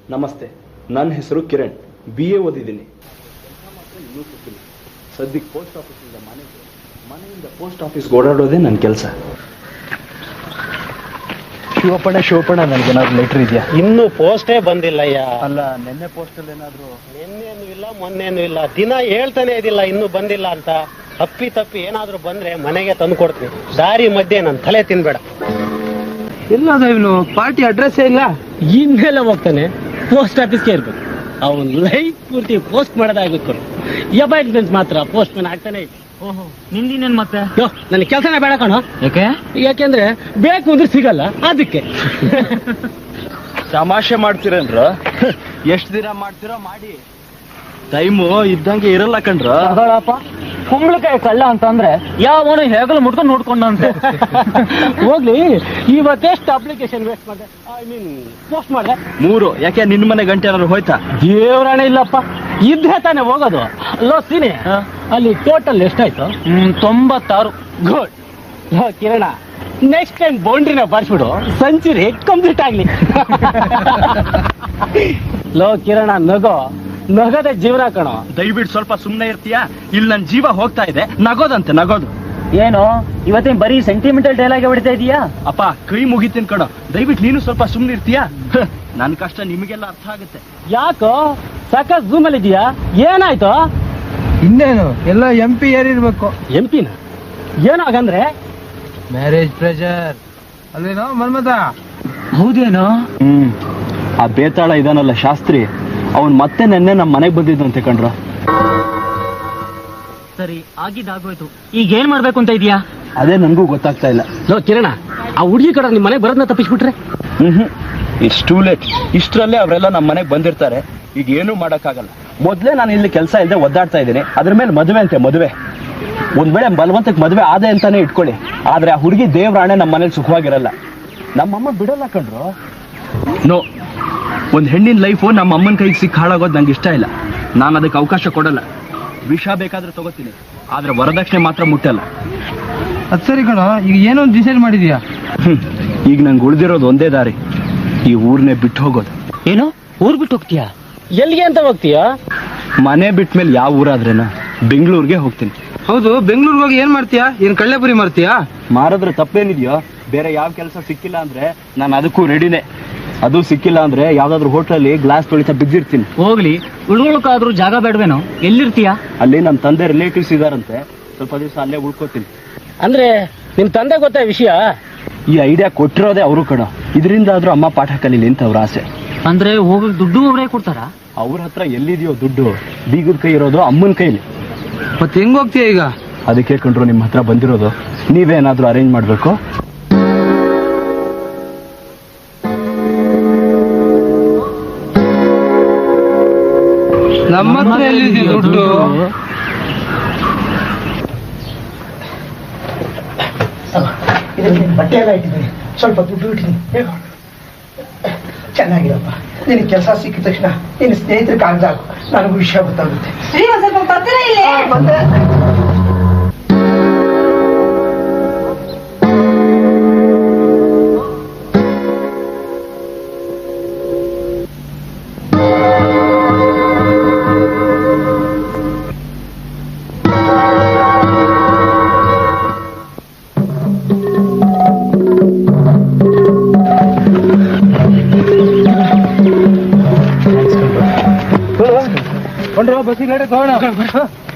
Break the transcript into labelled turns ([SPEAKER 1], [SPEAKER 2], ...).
[SPEAKER 1] ನಮಸ್ತೆ, ನನ್ನ ಹೆಸರು ಕಿರಣ್, BA ಓದಿದ್ದೀನಿ. ಇನ್ನೂ ಸಿಕ್ಕಿಲ್ಲ. ಸದ್ಯಕ್ಕೆ ಪೋಸ್ಟ್ ಆಫೀಸಿಂದ ಮನೆಯಿಂದ ಪೋಸ್ಟ್ ಆಫೀಸ್ಗೆ ಓಡಾಡೋದೇ ನನ್ನ ಕೆಲಸ. ಶಿವಪಣ ನನಗೇನಾದ್ರು ಲೆಟ್ರ್ ಇದೆಯಾ?
[SPEAKER 2] ಇನ್ನು ಪೋಸ್ಟೇ ಬಂದಿಲ್ಲಯ್ಯ.
[SPEAKER 1] ಅಲ್ಲ, ನಿನ್ನೆ ಪೋಸ್ಟಲ್ಲಿ ಏನಾದ್ರು?
[SPEAKER 2] ನಿನ್ನೇನು ಇಲ್ಲ, ಮೊನ್ನೇನು ಇಲ್ಲ, ದಿನ ಹೇಳ್ತಾನೆ ಇದಿಲ್ಲ ಇನ್ನೂ ಬಂದಿಲ್ಲ ಅಂತ. ತಪ್ಪಿ ಏನಾದ್ರೂ ಬಂದ್ರೆ ಮನೆಗೆ ತಂದು ಕೊಡ್ತೀನಿ. ದಾರಿ ಮಧ್ಯೆ ನನ್ನ ತಲೆ ತಿನ್ಬೇಡ.
[SPEAKER 3] ಎಲ್ಲದ ಇವನು? ಪಾರ್ಟಿ ಅಡ್ರೆಸ್ ಇಲ್ಲ.
[SPEAKER 2] ಇನ್ನೆಲ್ಲ ಹೋಗ್ತಾನೆ, ಪೋಸ್ಟ್ ಆಫೀಸ್ಗೆ ಇರ್ಬೇಕು. ಅವನ್ ಲೈಫ್ ಪೂರ್ತಿ ಪೋಸ್ಟ್ ಮಾಡೋದಾಗಬೇಕು. ಅಪಾಯಿಂಟ್ಮೆಂಟ್ಸ್ ಮಾತ್ರ ಪೋಸ್ಟ್ ಮ್ಯಾನ್ ಆಗ್ತಾನೆ.
[SPEAKER 3] ನಿಂದಿನೇನ್ ಮತ್ತೆ?
[SPEAKER 2] ನನ್ನ ಕೆಲಸನೇ ಬೇಡ ಕಣೋ. ಯಾಕೆಂದ್ರೆ ಬೇಕು ಅಂದ್ರೆ ಸಿಗಲ್ಲ, ಅದಕ್ಕೆ.
[SPEAKER 1] ತಮಾಷೆ ಮಾಡ್ತೀರೇನ್ರ? ಎಷ್ಟು ದಿನ ಮಾಡ್ತೀರೋ ಮಾಡಿ, ಟೈಮು ಇದ್ದಂಗೆ ಇರಲ್ಲ ಕಣ್ರ.
[SPEAKER 3] ಕುಂಬಳಕಾಯಿ ಕಳ್ಳ ಅಂತಂದ್ರೆ ಯಾವನು ಹೇಗಲು ಮುಟ್ಕೊಂಡು ನೋಡ್ಕೊಂಡಂತೆ.
[SPEAKER 2] ಹೋಗ್ಲಿ, ಇವತ್ತೆಷ್ಟು ಅಪ್ಲಿಕೇಶನ್ ವೇಸ್ಟ್ ಮಾಡಿದೆ, ಪೋಸ್ಟ್ ಮಾಡಿದೆ?
[SPEAKER 1] 3. ಯಾಕೆ ನಿನ್ನ ಮನೆ ಗಂಟೆ ಏನಾದ್ರು ಹೋಯ್ತಾ?
[SPEAKER 2] ದೇವ್ರಾಣೆ ಇಲ್ಲಪ್ಪ, ಇದ್ರೆ ತಾನೆ ಹೋಗೋದು. ಅಲ್ಲೋ ಸೀನಿ, ಅಲ್ಲಿ ಟೋಟಲ್ ಎಷ್ಟಾಯ್ತು?
[SPEAKER 3] 96.
[SPEAKER 2] ಗುಡ್. ಕಿರಣ, ನೆಕ್ಸ್ಟ್ ಟೈಮ್ ಬೌಂಡ್ರಿನ ಬರ್ಸ್ಬಿಡು, ಸೆಂಚುರಿ ಕಂಪ್ಲೀಟ್ ಆಗ್ಲಿ. ಲೋ ಕಿರಣ, ನಗದ ಜೀವನ ಕಣೋ.
[SPEAKER 1] ದಯವಿಟ್ಟು ಸ್ವಲ್ಪ ಸುಮ್ಮನೆ ಇರ್ತೀಯಾ? ಇಲ್ಲಿ ನನ್ನ ಜೀವ ಹೋಗ್ತಾ ಇದೆ, ನಗೋದಂತೆ ನಗೋದು.
[SPEAKER 3] ಏನು ಇವತ್ತೇನ್ ಬರೀ ಸೆಂಟಿಮೆಂಟಲ್ ಡೈಲಾಗ್ ಹೊಡಿತಾ ಇದೀಯಾ?
[SPEAKER 1] ಅಪ್ಪ, ಕೈ ಮುಗಿತೀನಿ ಕಣೋ, ದಯವಿಟ್ಟು ನೀನು ಸ್ವಲ್ಪ ಸುಮ್ಮನೆ ಇರ್ತೀಯಾ? ನನ್ನ ಕಷ್ಟ ನಿಮಗೆಲ್ಲ ಅರ್ಥ ಆಗುತ್ತೆ.
[SPEAKER 2] ಯಾಕೋ ಸಾಕಷ್ಟು ಝೂಮ್ ಅಲ್ಲಿ ಇದೀಯಾ? ಏನಾಯ್ತು?
[SPEAKER 3] ಇನ್ನೇನು ಎಲ್ಲ MP ಏರಿರ್ಬೇಕು.
[SPEAKER 2] MP-ನ? ಏನೋ ಹಾಗಂದ್ರೆ?
[SPEAKER 3] ಮ್ಯಾರೇಜ್ ಪ್ರೆಷರ್ ಅಲ್ಲೇನೋ ಮನ್ಮತ? ಹೌದೇನೋ.
[SPEAKER 1] ಆ ಬೇತಾಳ ಇದಾನಲ್ಲ ಶಾಸ್ತ್ರಿ, ಅವನ್ ಮತ್ತೆ ನೆನ್ನೆ ನಮ್ಮ ಮನೆಗೆ ಬಂದಿದ್ದಂತೆ ಕಣ್ರ.
[SPEAKER 3] ಸರಿ, ಆಗಿದ್ದಾಗೋಯ್ತು. ಈಗ ಏನ್ ಮಾಡ್ಬೇಕು ಅಂತ ಇದೀಯಾ?
[SPEAKER 1] ಅದೇ ನನ್ಗೂ ಗೊತ್ತಾಗ್ತಾ ಇಲ್ಲ.
[SPEAKER 2] ಲೋ ಕಿರಣ, ಆ ಹುಡುಗಿ ಕಡೆ ನಿಮ್ ಮನೆಗೆ ಬರೋದನ್ನ ತಪ್ಪಿಸ್ಬಿಟ್ರೆ?
[SPEAKER 1] It's too late. ಇಷ್ಟರಲ್ಲೇ ಅವರೆಲ್ಲ ನಮ್ಮ ಮನೆಗೆ ಬಂದಿರ್ತಾರೆ. ಈಗ ಏನೂ ಮಾಡಕ್ಕಾಗಲ್ಲ. ಮೊದ್ಲೇ ನಾನು ಇಲ್ಲಿ ಕೆಲಸ ಇಲ್ಲದೆ ಒದ್ದಾಡ್ತಾ ಇದ್ದೀನಿ, ಅದ್ರ ಮೇಲೆ ಮದುವೆ ಅಂತೆ ಮದುವೆ. ಒಂದ್ ವೇಳೆ ಬಲವಂತಕ್ಕೆ ಮದುವೆ ಆದೆ ಅಂತಾನೆ ಇಟ್ಕೊಳ್ಳಿ, ಆದ್ರೆ ಆ ಹುಡುಗಿ ದೇವ್ರಾಣೆ ನಮ್ಮ ಮನೇಲಿ ಸುಖವಾಗಿರಲ್ಲ. ನಮ್ಮಮ್ಮ ಬಿಡಲ್ಲ ಕಣ್ರು. ನೋ, ಒಂದ್ ಹೆಣ್ಣಿನ ಲೈಫು ನಮ್ಮ ಅಮ್ಮನ ಕೈಗೆ ಸಿಕ್ಕಿ ಹಾಳಾಗೋದು ನಂಗೆ ಇಷ್ಟ ಇಲ್ಲ. ನಾನು ಅದಕ್ಕೆ ಅವಕಾಶ ಕೊಡಲ್ಲ. ವಿಷ ಬೇಕಾದ್ರೆ ತಗೋತೀನಿ, ಆದ್ರೆ ವರದಕ್ಷಿಣೆ ಮಾತ್ರ ಮುಟ್ಟಲ್ಲ.
[SPEAKER 3] ಅದ್ ಸರಿ ಕಣ, ಈಗ ಏನೋ ಒಂದು ಡಿಸೈಡ್ ಮಾಡಿದೀಯಾ?
[SPEAKER 1] ಈಗ ನಂಗೆ ಉಳಿದಿರೋದು ಒಂದೇ ದಾರಿ, ಈ ಊರ್ನೇ ಬಿಟ್ಟು ಹೋಗೋದು.
[SPEAKER 2] ಏನು, ಊರ್ ಬಿಟ್ಟು ಹೋಗ್ತೀಯಾ? ಎಲ್ಲಿಗೆ ಅಂತ ಹೋಗ್ತೀಯಾ?
[SPEAKER 1] ಮನೆ ಬಿಟ್ಮೇಲೆ ಯಾವ ಊರಾದ್ರೇನ, ಬೆಂಗಳೂರಿಗೆ ಹೋಗ್ತೀನಿ.
[SPEAKER 3] ಹೌದು, ಬೆಂಗಳೂರಿಗೆ ಹೋಗಿ ಏನ್ ಮಾಡ್ತೀಯಾ? ಏನ್ ಕಳ್ಳೆಪುರಿ ಮಾಡ್ತೀಯಾ?
[SPEAKER 1] ಮಾರಿದ್ರೆ ತಪ್ಪೇನಿದೆಯೋ? ಬೇರೆ ಯಾವ ಕೆಲಸ ಸಿಕ್ಕಿಲ್ಲ ಅಂದ್ರೆ ನಾನು ಅದಕ್ಕೂ ರೆಡಿನೇ. ಅದು ಸಿಕ್ಕಿಲ್ಲ ಅಂದ್ರೆ ಯಾವ್ದಾದ್ರು ಹೋಟ್ಲಲ್ಲಿ ಗ್ಲಾಸ್ ತೊಳಿತಾ ಬಿದ್ದಿರ್ತೀನಿ.
[SPEAKER 3] ಹೋಗ್ಲಿ, ಉಳ್ಕೊಳಕಾದ್ರೂ ಜಾಗ ಬೇಡವೇನೋ? ಎಲ್ಲಿರ್ತೀಯಾ?
[SPEAKER 1] ಅಲ್ಲಿ ನಮ್ಮ ತಂದೆ ರಿಲೇಟಿವ್ಸ್ ಇದಾರಂತೆ, ಸ್ವಲ್ಪ ದಿವಸ ಅಲ್ಲೇ ಉಳ್ಕೋತೀನಿ.
[SPEAKER 2] ಅಂದ್ರೆ ನಿಮ್ ತಂದೆ ಗೊತ್ತಾ ವಿಷಯ?
[SPEAKER 1] ಈ ಐಡಿಯಾ ಕೊಟ್ಟಿರೋದೇ ಅವರು ಕಣ. ಇದರಿಂದ ಆದ್ರೂ ಅಮ್ಮ ಪಾಠ ಕಲೀಲಿ ಅಂತ ಅವ್ರ ಆಸೆ.
[SPEAKER 3] ಅಂದ್ರೆ ಹೋಗಕ್ ದುಡ್ಡು ಅವರೇ ಕೊಡ್ತಾರ?
[SPEAKER 1] ಅವ್ರ ಹತ್ರ ಎಲ್ಲಿದೆಯೋ ದುಡ್ಡು? ಬೀಗದ ಕೈ ಇರೋದು ಅಮ್ಮನ ಕೈಲಿ.
[SPEAKER 3] ಮತ್ತೆ ಹೆಂಗ್ ಹೋಗ್ತೀಯ ಈಗ?
[SPEAKER 1] ಅದಕ್ಕೆ ಕಂಡ್ರು ನಿಮ್ಮ ಹತ್ರ ಬಂದಿರೋದು. ನೀವೇನಾದ್ರೂ ಅರೇಂಜ್ ಮಾಡ್ಬೇಕು.
[SPEAKER 3] ನಮ್ಮ ಹತ್ರ ಎಲ್ಲಿದೆ ದುಡ್ಡು?
[SPEAKER 4] ಬಟ್ಟೆ ಎಲ್ಲ ಇಟ್ಟಿದ್ದೀನಿ, ಸ್ವಲ್ಪ ದುಡ್ಡು ಇಟ್ಟಿದ್ದೀನಿ. ಚೆನ್ನಾಗಿರಪ್ಪ. ನಿನಗೆ ಕೆಲಸ ಸಿಕ್ಕಿದ ತಕ್ಷಣ ನಿನ್ನ ಸ್ನೇಹಿತರ ಕಾಗದ ಹಾಕು, ನನಗೂ ವಿಷಯ ಗೊತ್ತಾಗುತ್ತೆ.
[SPEAKER 3] ಬಸ್ಸಿಗೆ ತಗೋಣ.